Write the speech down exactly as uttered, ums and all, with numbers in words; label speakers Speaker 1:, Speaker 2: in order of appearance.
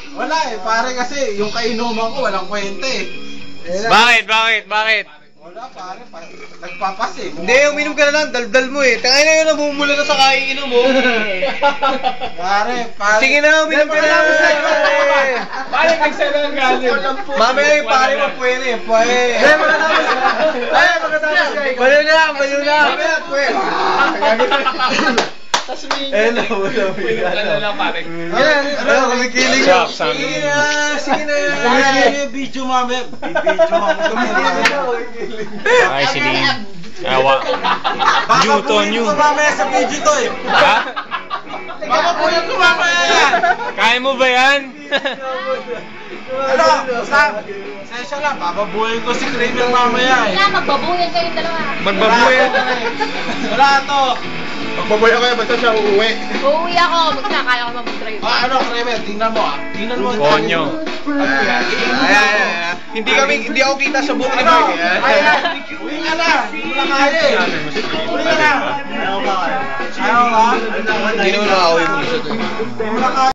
Speaker 1: Wala eh, pare kasi yung kainuman ko walang kwenta eh.
Speaker 2: Bakit? Bakit? Bakit?
Speaker 1: Wala pare, pa nagpapas eh.
Speaker 3: Hindi, uminom ka na lang, daldal mo eh. Tangay na yun, namumula na sa kaiinom mo.
Speaker 1: Pare, pare.
Speaker 3: Sige na, uminom ka na.
Speaker 4: Pare, nagsalang galing.
Speaker 3: Mamaya yung pare mo pwede eh, pwede. Ay, makatapos ka. Ay, makatapos ka. Baliw na, baliw na. Mamaya, pwede.
Speaker 4: Tapos may...
Speaker 3: Eh, no, wala.
Speaker 4: Ano lang pare.
Speaker 3: Ano, kumikilig
Speaker 2: What's up,
Speaker 3: yun.
Speaker 2: son?
Speaker 3: Sige na, sige na.
Speaker 1: Kumikilig yung video mami. Video ako kumikilig.
Speaker 2: Ay, si Lee. Awa. Newton,
Speaker 1: Baka
Speaker 2: New.
Speaker 1: ko mamaya sa video to eh.
Speaker 2: Ha?
Speaker 1: Baka punin ko mamaya yan.
Speaker 2: Kaya mo ba yan?
Speaker 1: Ano, basta, session lang, bababuhin ko si Kramer mamaya eh.
Speaker 5: Wala, magbabuyan kayong dalawa.
Speaker 2: Magbabuyan.
Speaker 1: Wala to.
Speaker 3: Magbaboy ako yan, basta siya uuwi.
Speaker 5: Uuwi ako, magkakaya ko mag-drive.
Speaker 1: Ah, ano, Kramer, tingnan mo ah. Tingnan mo.
Speaker 2: Konyo.
Speaker 3: Ayan, ayan, ayan. Hindi kami, hindi ako kita sa buhok ni
Speaker 1: Ano?
Speaker 3: Mark eh.
Speaker 1: Ayan, uwi ka na. Wala kaya eh. Uwi ka na. Ayaw ba?
Speaker 3: Hindi naman nakauwi mo isa to eh.
Speaker 1: Wala kaya.